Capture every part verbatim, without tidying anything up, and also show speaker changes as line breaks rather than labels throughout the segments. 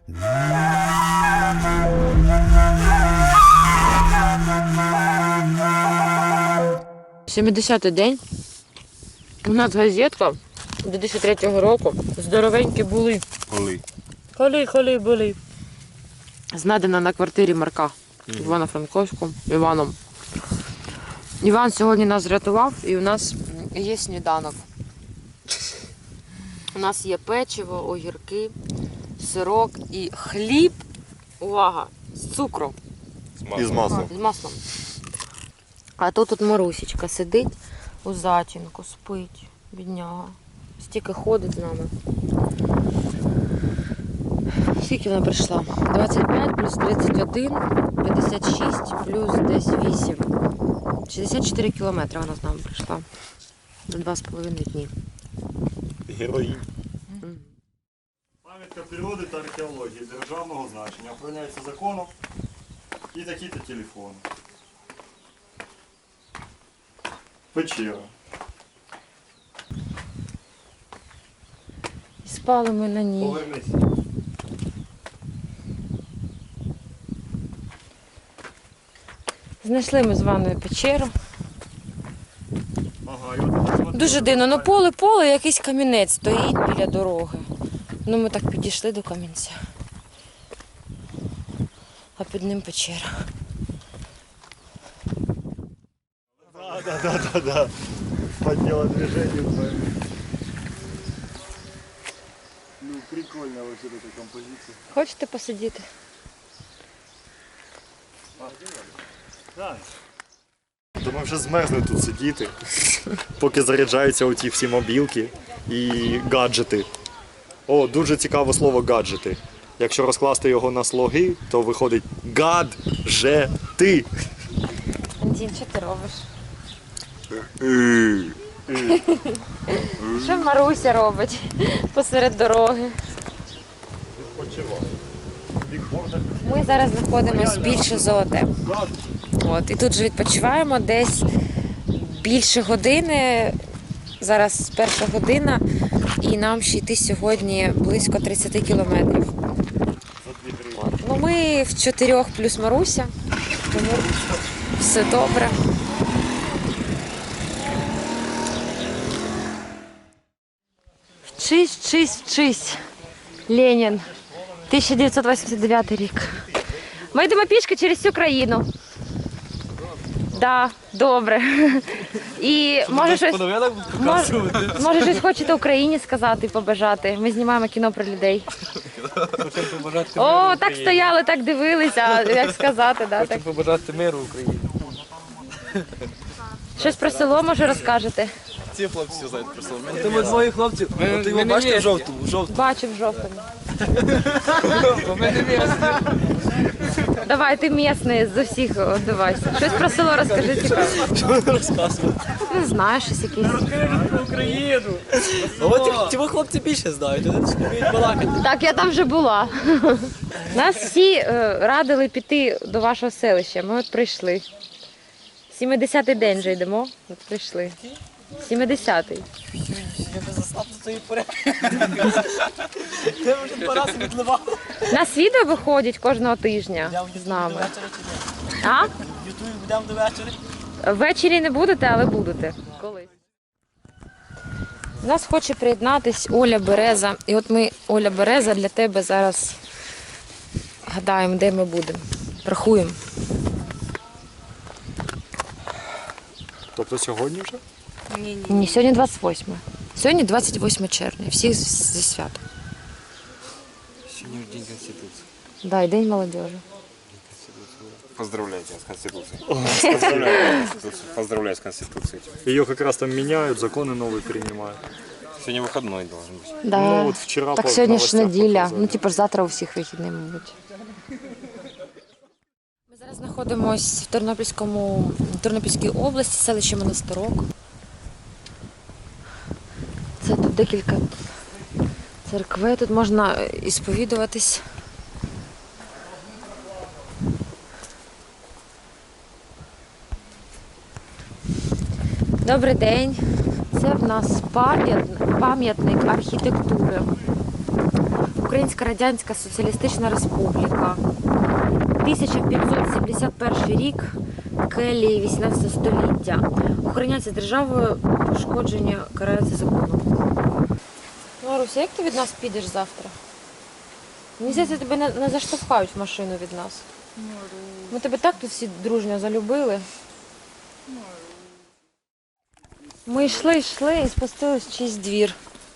сімдесятий день. У нас газетка дві тисячі третього року. Здоровенькі були.
Коли?
Коли, коли були. Знайдена на квартирі Марка в Івано-Франковську Іваном. Іван сьогодні нас врятував і у нас є сніданок. У нас є печиво, огірки, сирок і хліб. Увага! З цукром.
І з маслом.
З маслом. А тут тут Марусечка сидить у затінку, спить, бідняга. Стільки ходить з нами. Скільки вона прийшла? двадцять п'ять плюс тридцять один, п'ятдесят шість плюс десь вісім. шістдесят чотири кілометри вона з нами прийшла. За два з половиною дні.
Героїнь. Пам'ятка природи та археології державного значення охороняється законом і такі-то телефони. Печера.
І спали ми на ній.
Повернись.
Знайшли ми з ванною печеру.
Ага, і от, от,
Дуже
от,
дивно, ну
от,
поле, поле, якийсь камінець стоїть біля дороги. Ну ми так підійшли до камінця. А під ним печера.
Да, да, да, да, да. Подняла движение. Ну, прикольно вообще эта композиция.
Хочете посидіти?
Так. То ми вже змерзли тут сидіти, поки заряджаються оті всі мобілки і гаджети. О, дуже цікаве слово гаджети. Якщо розкласти його на слоги, то виходить гаджети.
Антін, що ти робиш? Що Маруся робить посеред дороги? Ми зараз знаходимося більше золоте. От, і тут же відпочиваємо десь більше години. Зараз перша година, і нам ще йти сьогодні близько тридцять кілометрів. От. Ну, ми в чотирьох плюс Маруся, тому все добре. Вчись, вчись, вчись. Ленін. тисяча дев'ятсот вісімдесят дев'ятий рік. Ми йдемо пішки через всю країну. Так, да, добре. І може щось, може, може щось хочете Україні сказати, побажати. Ми знімаємо кіно про людей. О, так стояли, так дивилися, як сказати. Да,
Хочу побажати миру Україні.
Щось про село, може, розкажете?
Ці хлопці все знають про село. Ти ми двоє хлопців, от його бачите в жовтому? Жовтому.
Бачу в жовтому.
У мене місце.
Давай, ти місний з усіх відбивайся. Щось про село розкажи, цікаво.
Що ви розказуєте?
Не знаю, щось якесь.
Розкажіть про Україну. От ті хлопці більше знають, вони ж вміють балакати.
Так, я там вже була. Нас всі е, радили піти до вашого селища. Ми от прийшли. сімдесятий день вже йдемо. От прийшли. сімдесятий.
Я би застав до цієї порядки. Ти вже два рази відливав.
Нас відео виходять кожного тижня з нами. А?
В Ютубі будемо до вечора.
Ввечері не будете, але будете. Колись. У нас хоче приєднатись Оля Береза. І от ми, Оля Береза, для тебе зараз гадаємо, де ми будемо. Рахуємо.
Тобто сьогодні вже?
Ні, сьогодні двадцять восьме. Сьогодні двадцять восьме червня. Всіх зі святом.
Сегодня День Конституции.
Да, і День молодежи.
Поздравляйте с Конституцией. Поздравляю с Конституцией. Поздравляю с Конституцией.
Ее как раз там меняют, законы новые принимают.
Сегодня выходной должен быть.
Да.
Ну, от вчора
так
по
сьогодні ж
новостях
неділя.
показали.
Ну, типу, ж завтра у всіх вихідний, мабуть. Ми зараз знаходимося в Тернопільському, Тернопільській області, селище Монастирок. Це тут декілька церкви, тут можна і сповідуватись. Добрий день. Це в нас пам'ятник, пам'ятник архітектури. Українська Радянська Соціалістична Республіка. тисяча п'ятсот сімдесят перший рік, келії вісімнадцятого століття. Охороняється державою, пошкодження карається законом. Маруся, як ти від нас підеш завтра? Мені здається, тебе не, не заштовхають в машину від нас. Ми тебе так тут всі дружньо залюбили. Ми йшли, йшли і спустились в чийсь двір.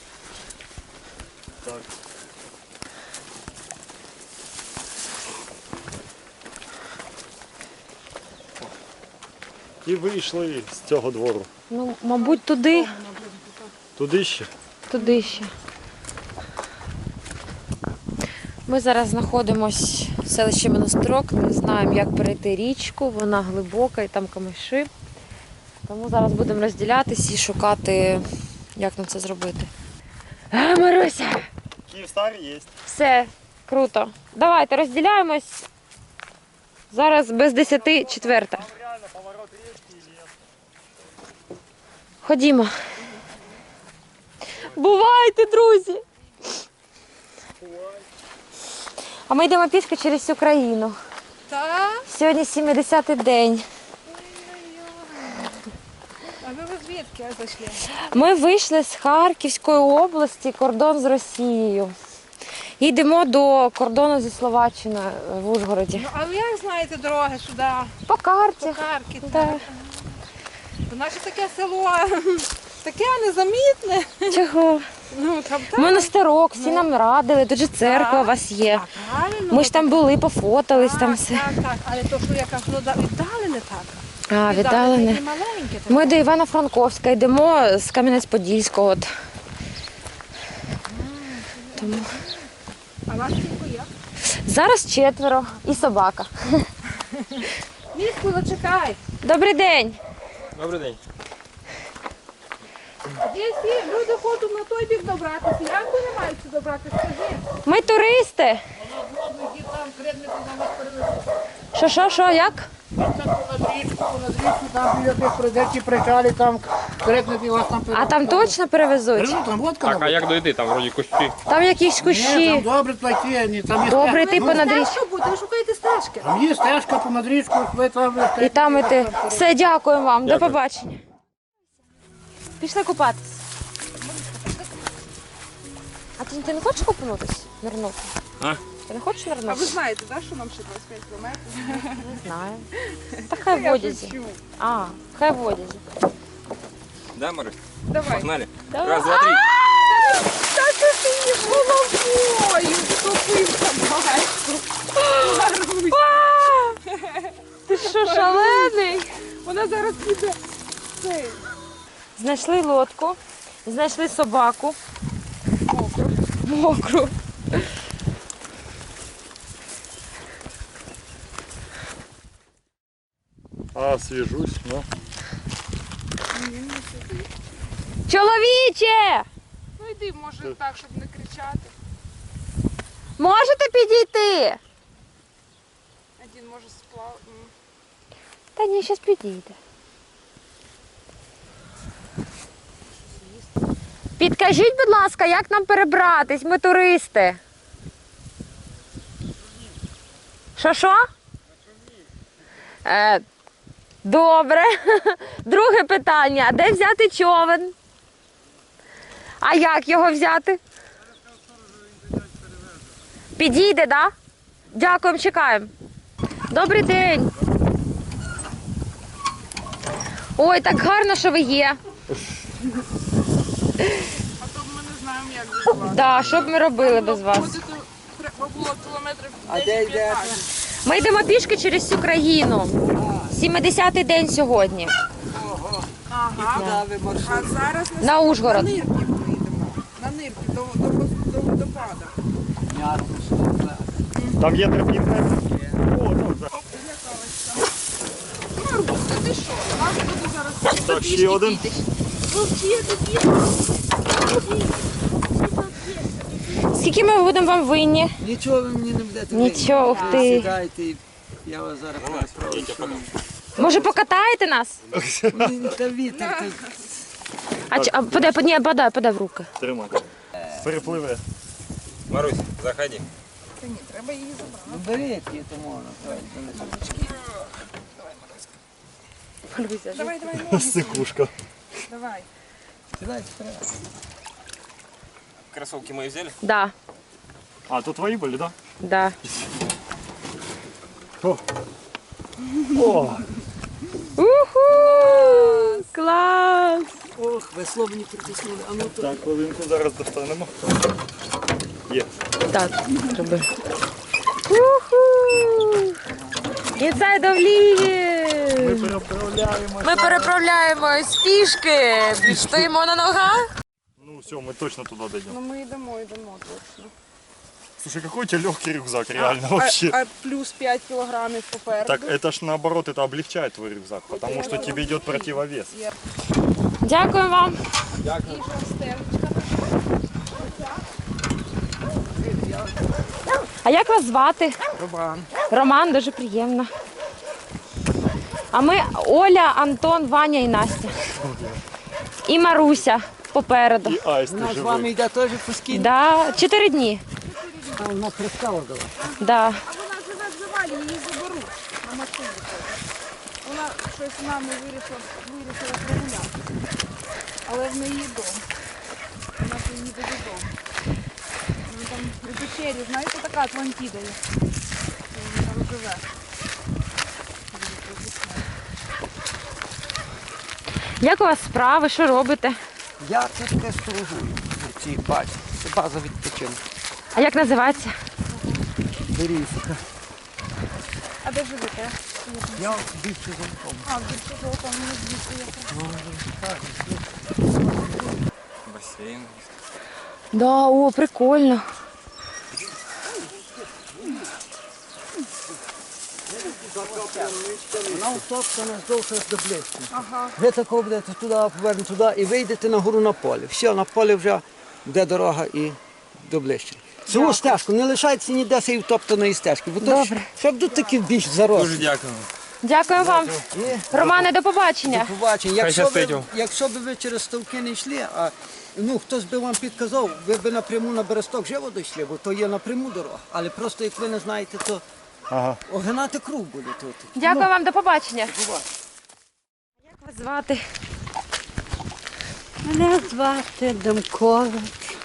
Так. І вийшли з цього двору.
Ну, мабуть, туди,
Туди ще.
туди ще. Ми зараз знаходимося в селищі Монастирок, не знаємо, як перейти річку, вона глибока і там камиші. Тому зараз будемо розділятись і шукати, як нам це зробити. А, Маруся!
Київстар є.
Все, круто. Давайте розділяємось. Зараз без десяти четверта.
Там реально поворот річки і ліс.
Ходімо. Бувайте, друзі! А ми йдемо пішки через всю країну.
Так?
Сьогодні сімдесятий день.
А ви звідки зайшли?
Ми вийшли з Харківської області, кордон з Росією. І йдемо до кордону зі Словаччиною в Ужгороді.
Ну, а ви як знаєте дороги сюди?
По карті.
По Харки.
Да.
Бо наше таке село таке незамітне.
Чого?
Ну, там так.
Монастирок, всі нам радили, тут же церква у вас є.
А, правильно.
Ми ж там були, пофотались,
так,
там все.
Так, так, але то, що я кажу, ну, да, віддалене так.
А, віддалене.
і маленьке. Так.
Ми до Івано-Франковська йдемо з Кам'янець-Подільського. от. Тому.
А вас скільки є?
Зараз четверо і собака.
Міську, зачекай.
Добрий день.
Добрий день.
Якщо люди хочуть на той бік добратися, як вони мають сюди добратися, скажи.
Ми туристи. Що, що, що, як?
Над річку, над річку, там біля тих придеті причалі, там крикнути вас там
А там точно перевезуть?
Ну, там водка
Так, а як дойти? Там вроді кущі.
Там якісь
Ні, там
кущі.
добре платі, ні, там є
Добре,
стежка.
ти
Ну,
понад річку.
Стежка буде, ви шукаєте стежки.
Там є стежка понад річкою, ви там...
І там іти. Все, дякуємо вам. До побачення. Пішли купатись. А ти, ти не хочеш купнутись? Нирнути?
А?
Ти не хочеш
А ви
нирнути?
знаєте, да, що нам ще двадцять п'ять кілометрів?
Не знаю. Та хай в одязі. А, хай в одязі.
Да, Марусь?
Давай.
Погнали.
Давай.
Раз, два, три.
Та це ти її головою втопився, бачу.
Ти що, шалений?
Вона зараз піде. Цей.
Знайшли лодку, знайшли собаку. Мокру. Мокру.
А, свіжусь, ну.
Чоловіче!
Ну йди, може так, щоб не кричати.
Можете підійти?
Один може сплав. м.
Та ні, зараз підійде. Підкажіть, будь ласка, як нам перебратись? Ми туристи. Що, що? Е, добре. Друге питання. Де взяти човен? А як його взяти? Підійде, так? Да? Дякуємо, чекаємо. Добрий день. Ой, так гарно, що ви є.
А то ми не знаємо, як без вас.
Да, що б ми робили без вас?
Ходити треба було кілометрів десять-п'ятнадцять.
Ми йдемо пішки через всю країну. сімдесятий день сьогодні.
Ага. А зараз на,
На
на
Ужгород.
Нирків поїдемо. На Нирків, до, до, до водопада.
Там є тропінка. О, ну, так.
Марбуска, ти що? Нас буде зараз
Так, ще один.
вовчити,
Скільки ми будемо вам винні?
Нічого ви мені не будете.
Нічого, ух
винні.
ти.
Сідайте, і я вас зараз прошу.
Може покатаєте нас?
Мені та вітер. та-
А, чи- а подай, ні, подай, подай в руки.
Тримай. Перепливе.
Марусь, заходи.
Ну беріть її, то можна.
Давай, давай, ноги.
Сикушка.
Давай.
Сідайте вперед.
Кроссовки мои взяли?
Да,
А, то твої були, так?
да.
Да? О!
Уху! Клас!
Ох, весло мені притиснули. А ну то.
Так, хвилинку зараз достанемо. Є.
Так, роби. Уху! Inside of Lviv!
Ми переправляємося.
Ми переправляємось пішки, стоїмо на ногах.
Ну все, мы точно туда дойдем.
Ну ми йдемо, йдемо точно.
Слушай, какой у тебя легкий рюкзак,
А,
реально,
а,
вообще.
а плюс п'ять кілограмів попереду.
Так это ж наоборот, это облегчает твой рюкзак, потому что тебе идет противовес.
Дякую вам.
І жовстеночка.
А як вас звати?
Роман.
Роман, дуже приємно. А ми Оля, Антон, Ваня і Настя. І Маруся попереду.
И аист
Вона з
живой.
вами йде теж по скіну.
Да, чотири дні.
А вона пристала до вас.
Да.
А вона живе в завалі, її заберуть на машині. Вона щось з нами вирішила, вирішила прогулятися. Але в неї дом. Вона поїде додому. Вона там у печері, знаєте, така Атлантіда є. Вона там живе.
Як у вас справи? Що робите?
Я це таке сторожую на цій базі. Це база відпочинку.
А як називається?
Берізка.
А де живете?
Я більше замком.
А, більше того, там не звідси яка.
Бассейн.
Да, о, прикольно.
Вона утоптана здовж аж до близько. Ага. Ви такого будете туди, повернете туди і вийдете на гору на поле. Все, на полі вже буде дорога і до ближче. Цю стежку не лишайтеся ніде цієї втоптаної стежки, бо то ж, щоб тут такі більш заросли.
Дуже дякую.
Дякую вам.
І
Романе, до побачення.
побачення. Якщо
щас
ви,
прийдемо.
якщо б ви через ставки не йшли, а ну хтось би вам підказав, ви б напряму на Бересток живо дійшли, бо то є напряму дорога. Але просто як ви не знаєте, то
Ага.
огинати круг буде тут.
Дякую вам, до побачення.
Побачення.
Як вас звати?
Мене звати Демкович,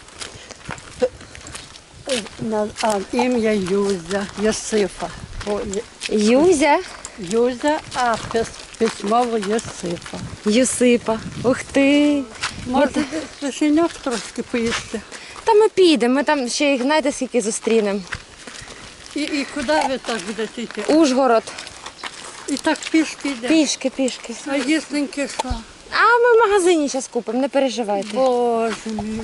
На- а ім'я Юзя, Йосифа. О, Є-
Юзя.
Юзя, а пис- письмово Йосифа.
Юсипа. Ух ти.
Може, печеньок трошки поїсти?
Та ми підемо, ми там ще їх знаєте скільки зустрінемо.
І, і куди ви так будете йти?
Ужгород.
І так пішки йде.
Пішки, пішки.
А їстеньки що?
А ми в магазині зараз купимо, не переживайте.
Боже мій,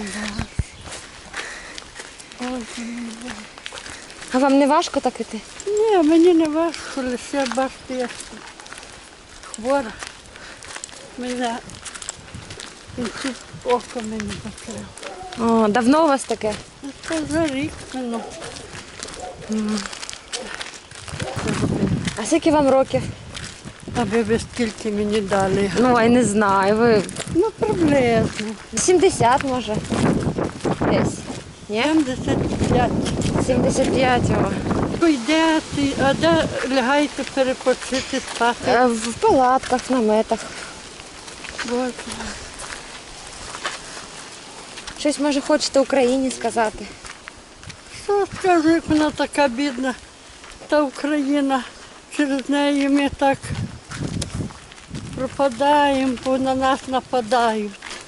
Боже.
А вам не важко так іти?
Ні, мені не важко, лише бачите, я хвора. Мене кінці око мені закрило.
О, давно у вас таке?
Це за рік минув.
А скільки вам років?
Аби ви скільки мені дали.
Ну, я не знаю. Ви
Ну, приблизно.
сімдесят може. Десь. Ні?
сімдесят п'ять.
сімдесят п'ять. О.
Йдете, а де лягаєте перепочити, спати?
Е, В палатках, в наметах.
Боже.
Щось може хочете Україні сказати?
Що скажу, як вона така бідна, та Україна, через неї ми так пропадаємо, бо на нас нападають.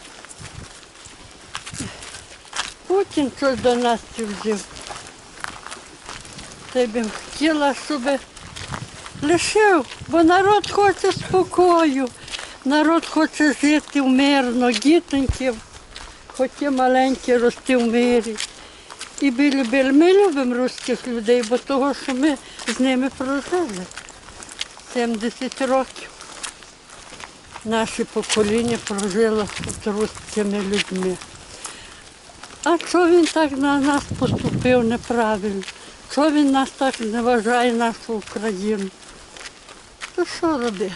Путін щось до нас взяв. Та й би хотіла, щоб лишив, бо народ хоче спокою, народ хоче жити мирно, дітоньків, хоч і маленькі рости в мирі. І ми любили, ми любимо русських людей, бо того, що ми з ними прожили сімдесят років. Наше покоління прожило з русскими людьми. А що він так на нас поступив неправильно? Що він нас так не вважає, нашу Україну? То що робити?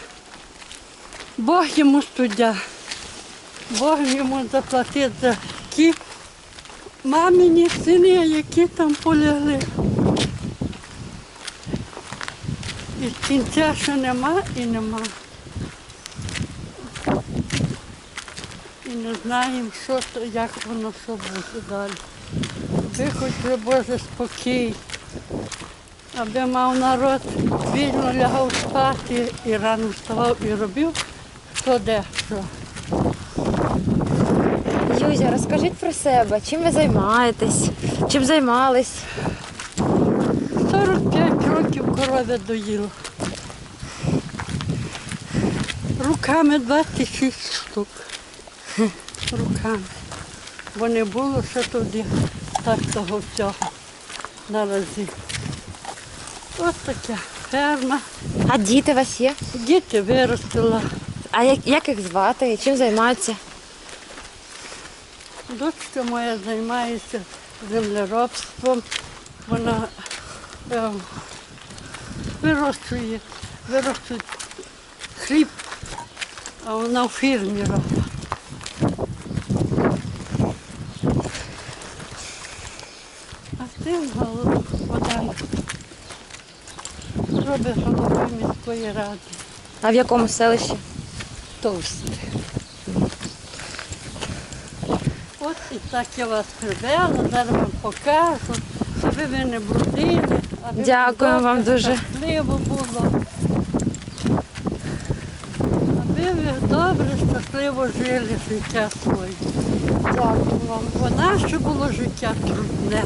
Бог йому суддя. Бог йому заплатить за ті мамині сини, які там полягли. І кінця ще нема і нема. І не знаємо, що то, як воно, що буде далі. Аби хоч Боже спокій, аби мав народ вільно лягав спати і рано вставав і робив, хто де що.
Юзя, розкажіть про себе, чим ви займаєтесь, чим займались?
сорок п'ять років коров'я доїла. Руками двадцять шість штук. Руками. Бо не було ще тоді так того всього наразі. Ось така ферма.
А діти у вас є?
Діти виростила.
А як, як їх звати і чим займаються?
Дочка моя займається землеробством. Вона е, вирощує, вирощує хліб, а вона в фірмі робить. А син голов- Богдан робить головою міської ради.
А в якому селищі?
Товсте. От і так я вас привела, зараз вам покажу, щоб ви не брудили. аби
Дякую
добре,
вам дуже.
Щасливо було. Аби ви добре, щасливо жили життя своє.
Дякую вам.
Бо наше було життя трудне.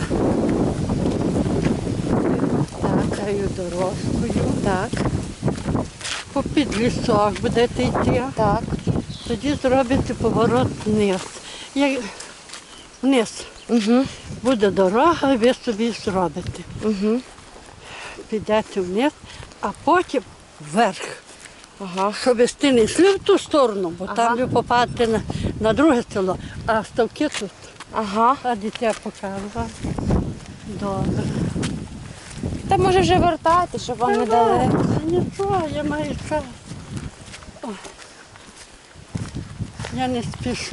Такою дорожкою.
Так,
По під лісок будете йти.
так.
Тоді зробите поворот вниз. Як вниз
Угу,
буде дорога, ви собі зробите.
угу.
Підете вниз, а потім вверх.
Ага.
Щоб ви не йшли в ту сторону, бо
Ага.
там ви попадете на, на друге село, а ставки тут.
Ага.
А дитя покажу вам. Добре.
Та може вже вертати, щоб вам не дали.
Нічого, я маю час. Ой. Я не спішу.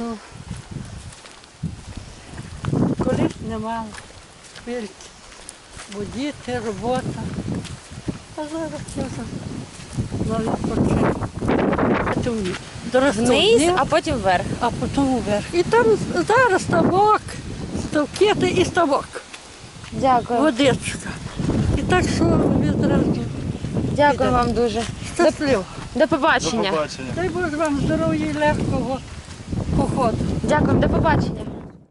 Колись не мала хвильки, бо діти, робота. А зараз я вже на відпочинку. Це вниз. Доросту
Вниз,
вниз,
а потім вверх.
а потім вверх. І там зараз ставок, ставки та і ставок,
Дякую.
водичка. І так що ви зразу
Дякую вам дуже.
щасливо.
До побачення.
побачення.
Дай Боже вам здоров'я і легкого походу.
Дякую, до побачення.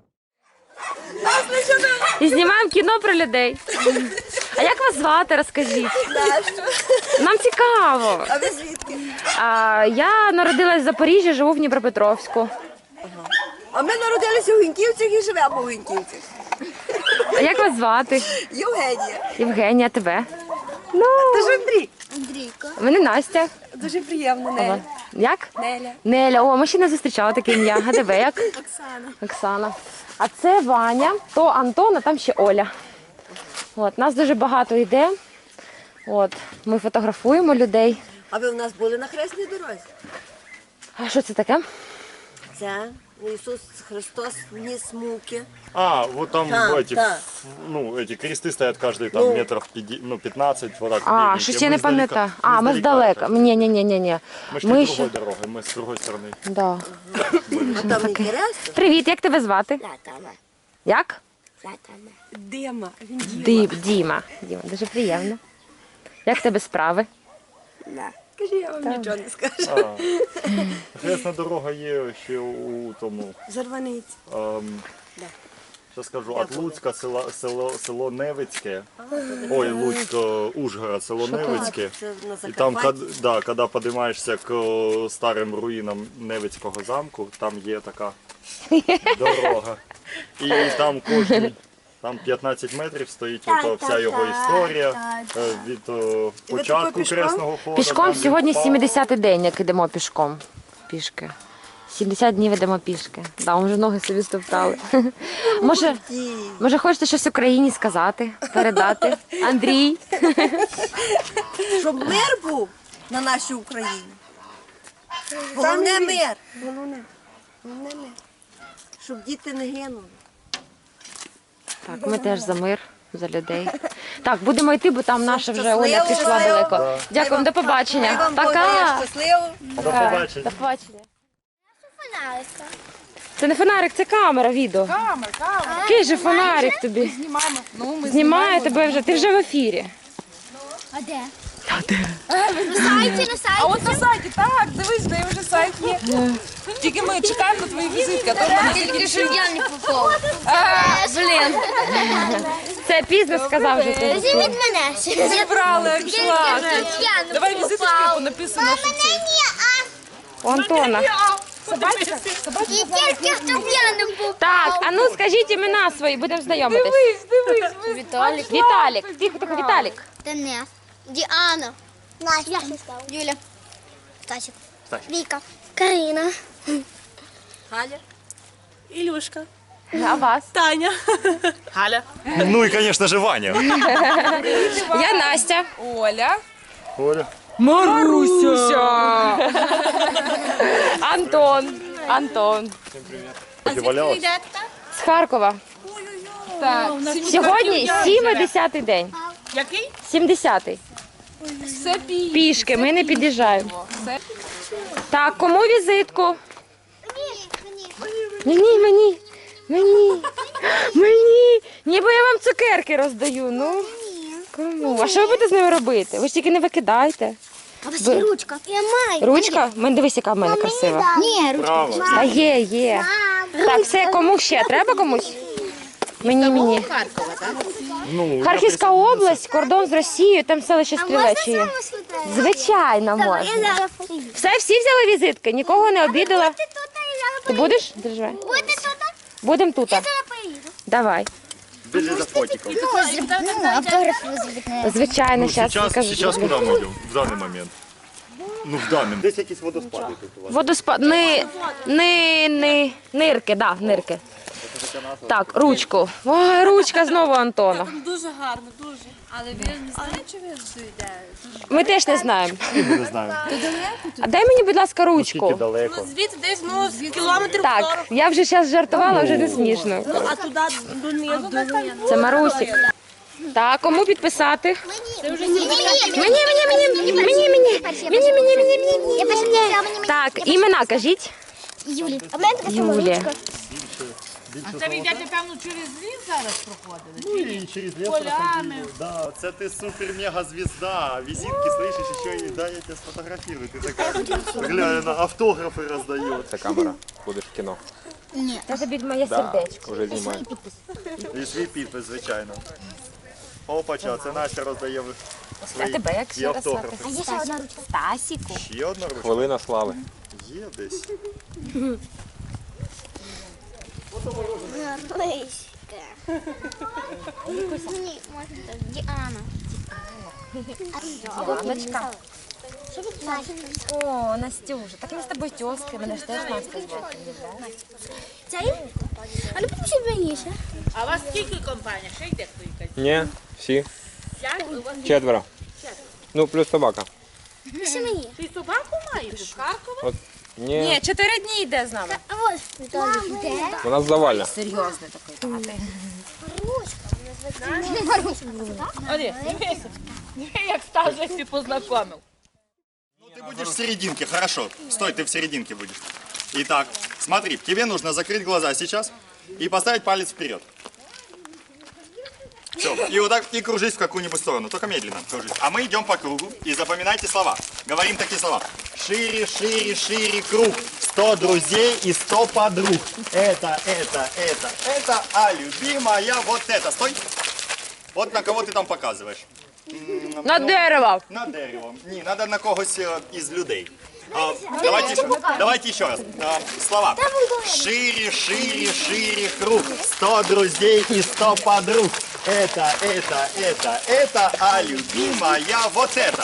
І знімаємо кіно про людей. А як вас звати, розкажіть? Нам цікаво.
А ви звідки?
А, я народилась в Запоріжжі, живу в Дніпропетровську.
А ми народилися у Гінківцях і живемо у Гінківцях.
А як вас звати?
Євгенія.
Євгенія, тебе? Ну,
Це ж Андрій. Андрійка.
мене Настя.
Дуже приємно, Неля.
Як?
Неля.
Неля. О, ми ще не зустрічали таке ім'я. А тебе як?
Оксана.
Оксана. А це Ваня, то Антон, а там ще Оля. От, нас дуже багато йде. От, ми фотографуємо людей.
А ви у нас були на Хресній дорозі?
А що це таке?
Це Ісус Христос вніс муки.
А, вот там
Так,
эти,
так.
ну, эти кресты стоят каждый там
Ну.
метров пяти- ну, пятнадцать, вот так.
А,
беленькие.
щось я
Мы
не
издалека-
пам'ятаю. А, ми
издалека
здалека.
так.
Ні, ні, ні, ні, ні.
Мы шли
Ми
другой
ще.
дорогой, мы с другой стороны.
Да.
А там інтересно?
Привіт, як тебе звати?
Латана.
Як?
Латана. Дима. Він
Дім, Діма. Діма, дуже приємно. Як в тебе справи?
Діма. Кажи, я вам нічого не скажу.
А, Хресна дорога є ще у тому,
Зарваниці.
ем,
Да.
що скажу, від Луцька село, село, село Невицьке, ой, Луцьк, е, Ужгород, село Невицьке.
Це на
І там,
Закарпатті.
кад- да, коли підіймаєшся к е, старим руїнам Невицького замку, там є така дорога. І там кожен, там п'ятнадцять метрів стоїть ото вся його історія е, від е, початку
пішком?
Кресного ходу.
Пішком
там
сьогодні
від
сімдесятий день, як ідемо пішком. Пішки. сімдесят днів ідемо пішки. Да, ми вже ноги собі стоптали. Може, може хочете щось Україні сказати, передати? Андрій?
Щоб мир був на нашій Україні. Головне мир. Головне. Головне мир. Щоб діти не гинули.
Так, ми теж за мир, за людей. Так, будемо йти, бо там наша вже Оля пішла далеко. Дякуємо, до побачення. Пока!
Щасливо.
До побачення.
До побачення. Це не фонарик, це камера, відео.
Камер, камер.
Який же фонарик тобі?
Знімаємо. Ну, ми
Знімає тебе вже, ти вже в ефірі.
А де?
А де?
На сайті, на сайті.
А от на сайті, так, дивись, де вже сайт є. Тільки ми чекаємо на твої візитки, а то в мене тільки
Щоб я не попав.
Блін. Це пізно сказав вже ти.
Візьміть мене.
зібрали, як йшла.
Я не
Давай візиточки, бо написано, що це.
У Антона.
Собачка? Собачка?
І тільки, щоб я не попав.
Так, а ну скажіть імена свої, будемо знайомитись.
Дивись, дивись.
Віталік.
Віталік. Тихо, тихо, Віталік.
Денис. Діана. Настя. Юля. Стасик. Віка. Карина.
Ілюшка.
А вас?
Таня. Галя.
Ну і, звісно ж, Ваня.
Я Настя.
Оля.
Оля.
Маруся. Антон. Антон.
Валялась?
З Харкова.
Так.
Сьогодні сімдесятий день.
Який?
сімдесятий.
Все пі.
Пішки, ми не під'їжджаємо. Так, кому візитку? Мені, мені, мені, мені. Ніби я вам цукерки роздаю. Ну, кому? А що ви будете з ними робити? Ви ж тільки не викидайте.
А ось є ручка. Я маю.
Ручка? Мен, дивись, яка в мене красива.
Ні, ручка.
Право.
А є, є. Так, все, кому ще? Треба комусь? Мені, мені.
Ну,
Харківська область, кордон з Росією, там селище Стрілечі є. Звичайно, можна.
Я зараз поїду.
Все, всі взяли візитки, нікого не обідала.
Ти тут, я зараз
Ти будеш? Держи.
Будете тут?
Будемо тут.
Я зараз поїду.
Давай.
Біжи за фотиком.
Ну, автограф визвіть.
Звичайно,
Ну,
зараз
сейчас,
покажу.
сейчас куда мы идем? В данный момент. Ну, в данный. Десь якісь водоспади тут у вас.
Водоспад. Ни, ни, ни, нирки, да, нирки. Так, ручку. Ой, ручка знову Антона.
Дуже гарно, дуже. Але він не знає, чи він дійде.
Ми теж не знаємо.
Не знаю.
А дай мені, будь ласка,
Скільки
ручку.
далеко.
Звідси десь, ну, кілометрів
Так, я вже зараз жартувала, вже не смішно.
а туди донизу.
Це Марусік. Так, кому підписати?
Мені, мені,
Мені, мені, мені, мені, мені, мені, мені, мені, мені,
Я перше
мені.
взяла, мені, мені.
Так, імена кажіть.
Юлі. А в мене така сама
Юлія.
ручка.
Це ви йдете, певно, через ліс зараз проходили?
Ну и через лес проходили. Да, це ти супер-мега-звезда. Визитки, слышишь, еще и да, я тебя сфотографирую. Ты такая, глянь, на автографы раздает.
Це камера. Будеш в кіно.
Це тобі моє сердечко.
Уже знімаю.
І свій підпис, звичайно. Опача, це Настя роздає свої
тебе як
і
ще
автографи.
А є ще одна ручка.
Стасіку.
Ще одна ручка?
Хвилина слави.
Є десь.
Ручка. Ні, можна так. Діана.
Яночка.
Що ви плачете?
О, Настюша, так ми з тобою тьоски, мене ж теж Настя звати.
Це їм? А не попишіть мені ще.
А у вас скільки компаній? Ще йде хто якась?
Ні, всі.
П'ять? У вас
Четверо. Ну, плюс собака.
Пиши мені.
ти собаку маєш? В Харкові?
От. Ні,
Ні, чотири дні йде з нами.
А ось Віталій йде.
у нас завальна.
Серйозний такий тати.
Оди, дивися. Як Стас Лесі познайомив.
Ну ты будешь в серединке, хорошо. Стой, ты в серединке будешь. Итак, смотри, тебе нужно закрыть глаза сейчас и поставить палец вперед. Все, и вот так, и кружись в какую-нибудь сторону, только медленно кружись. А мы идем по кругу и запоминайте слова. Говорим такие слова. Шире, шире, шире круг. Сто друзей и сто подруг. Это, это, это, это, а любимая вот это. Стой. Вот на кого ты там показываешь. М,
На
ну,
дерево.
На дерево. Ні, треба на когось е, із людей. А, давайте, ще- давайте ще раз. А, слова. Шире, шире, шире круг. Сто друзей и сто подруг. Это, это, это, это, а любимая вот это.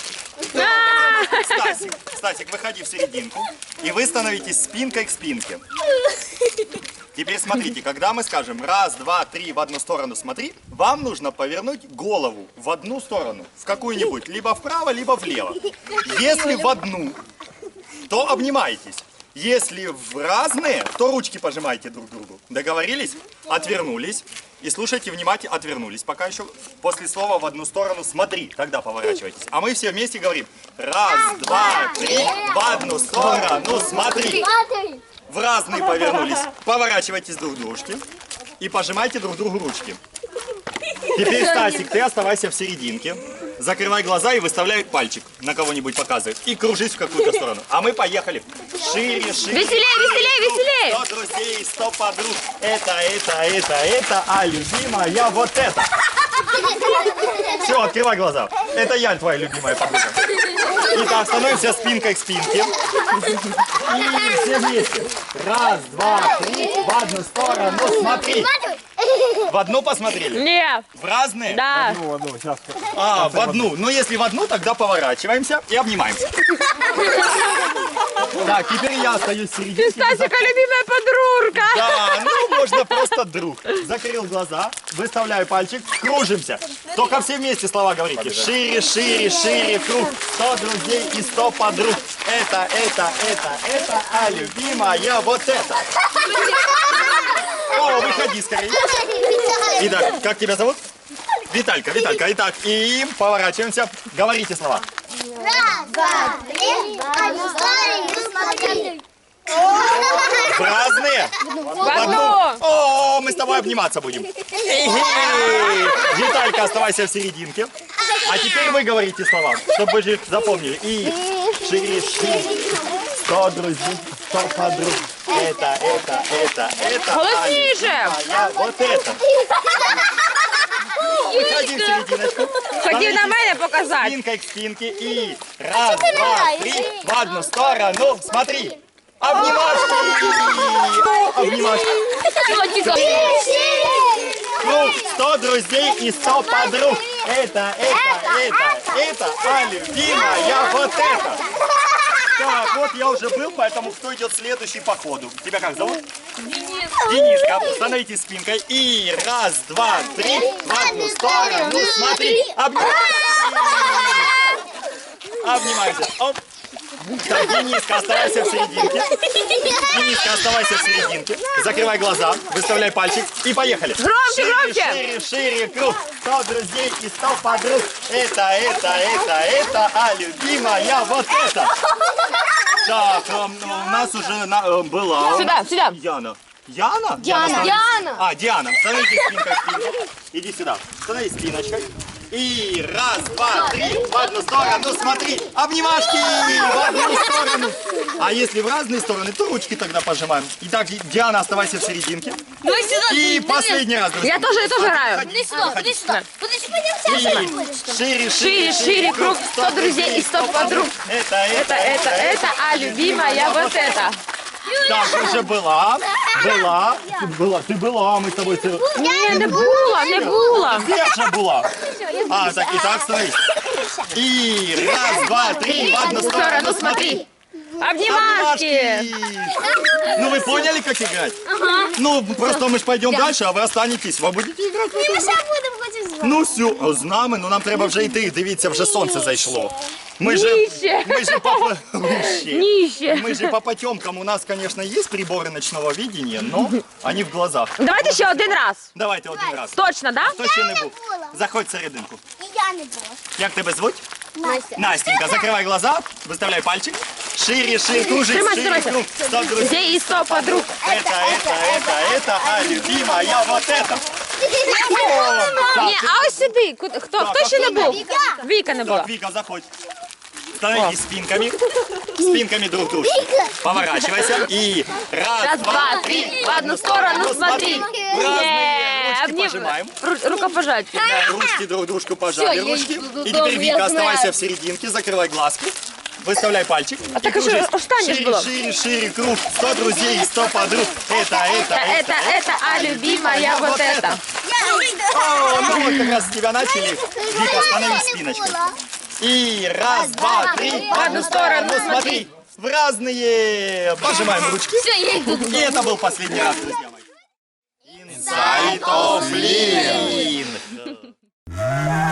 Стасик, Стасик, выходи в серединку. И вы становитесь спинкой к спинке. Теперь смотрите, когда мы скажем раз, два, три в одну сторону смотри, вам нужно повернуть голову в одну сторону, в какую-нибудь, либо вправо, либо влево. Если в одну, то обнимаетесь. Если в разные, то ручки пожимаете друг другу. Договорились? Отвернулись. и слушайте внимательно, отвернулись пока еще. После слова в одну сторону смотри, тогда поворачивайтесь. А мы все вместе говорим раз, два, три, в одну сторону смотри. В разные повернулись. Поворачивайтесь друг к дружке и пожимайте друг другу ручки. Теперь, Стасик, ты оставайся в серединке. Закрывай глаза и выставляй пальчик. На кого-нибудь показывай. И кружись в какую-то сторону. А мы поехали. Шире, шире.
Веселее, веселее, веселее.
Сто друзей, сто подруг. Это, это, это, это, а любимая вот это. Все, открывай глаза. Это я, твоя любимая подруга. Итак, становимся спинкой к спинке. И все вместе. Раз, два, три. В одну сторону смотри. В одну посмотрели?
Нет.
В разные?
Да.
А, в одну. Ну, если в одну, тогда поворачиваемся и обнимаемся. Так, теперь я остаюсь в середине.
Стасика любимая подружка.
Да, ну можно просто друг. Закрыл глаза, выставляю пальчик, кружимся. Только все вместе слова говорите. Шире, шире, шире, круг. Сто друзей и сто подруг. Это, это, это, это, а любимая вот это. О, выходи скорее. Итак, как тебя зовут? Виталька, Виталька. Итак, и поворачиваемся. Говорите слова.
Раз, два, три, одну сторону смотри.
В разные?
В одну.
О, мы с тобой обниматься будем. Хе-хе. Виталька, оставайся в серединке. А теперь вы говорите слова, чтобы вы же запомнили. И шире, шире. Сто друзей, сто подруг. Это, это, это, это.
Голосніше.
А я вот это. Выходи в серединочку.
Хотів на мене показати.
Спинкой к спинке. И раз, два, три. В одну сторону. Смотри. Обнимашки. Обнимашки. Круг, сто друзей и сто подруг. Это, это, это, это, а любимая вот это. Так, вот я уже был, поэтому кто идет следующий по ходу? Тебя как зовут? Денис. Дениска, становитесь спинкой. И раз, два, три, в одну сторону, смотри. Обнимаемся. Обнимаемся. Оп. Так, Дениска, оставайся в серединке. Дениска, оставайся в серединке. Закрывай глаза, выставляй пальчик и поехали.
Громче,
шире,
громче.
Шире, шире, круг. Сто друзей и сто подруг. Это, это, это, это, а любимая вот это. Так, эм, у нас уже на, э, была...
Сюда, сюда.
Яна. Яна?
Диана.
становись-
Диана.
А, Диана. Становитесь спинкой к спинке. Иди сюда. Становись спиночкой. И раз, два, три, в одну сторону, смотри, обнимашки, в одну сторону. А если в разные стороны, то ручки тогда пожимаем. Итак, Диана, оставайся в серединке. И последний раз, друзья.
Я тоже, я тоже граю.
Иди сюда, иди сюда. Подожди,
И шире,
Шире, шире, круг, сто друзей и сто подруг.
Это, это,
Это, это, это, а любимая вот это.
Так, уже была, была, ты была, ты была, мы с тобой... Ты...
Ні, не було, не було.
Где же была? А, так, и так становись. И раз, два, три, в одну сторону, смотри.
Обнимашки.
Ну вы поняли, как играть? Ага. Ну, просто мы ж пойдем дальше, а ви останетесь. Ви будете грати?
Ми ще будемо хочемо з вами.
Ну все, з нами, ну нам треба вже йти. Дивіться, вже сонце зайшло. Мы же,
Нище.
мы же по, Нище.
Нище.
Мы же по потемкам. У нас, конечно, есть приборы ночного видения, но они в глазах.
Давайте ще один раз.
Давайте один раз.
Точно, да?
Хто ще не був?
була.
Заходь всерединку.
І я не була.
Як тебе звуть?
Настя.
Настенька, закрывай глаза, выставляй пальчик. Шире, шире, кружить,
Тримайся,
шире,
тримайся.
круг. Сто друзей.
Друзей и сто подруг.
Это, это, это, это, а любимая вот это. О,
Ні, а ось сюди. Куди- Хто,
Так,
хто
а
ще не
хто не
був?
Віка.
Віка не була.
Так, Вика, заходь. Становитесь спинками, спинками друг к другу. Поворачивайся и раз,
Раз, два, три, в одну сторону смотри.
В разные ручки
Обним-
пожимаем.
Ру- Рукопожаття. да.
Ручки друг дружку пожали,
Всё, я
ручки.
иду
И
дома,
теперь,
я
Вика,
знаю.
оставайся в серединке, закрывай глазки. Выставляй пальчик.
А так уже
кружись.
останешь
Шире,
было.
шире, шире, круг. Сто друзей и сто подруг. Это, это,
Это, это, это, а любимая вот это.
О, ну вот как раз с тебя начали. Вика, остановись спиночкой. И раз, два, три. В одну сторону смотри. В разные. Пожимаем ручки.
Все, я йду.
И это был последний раз, друзья мои. Inside of Lin.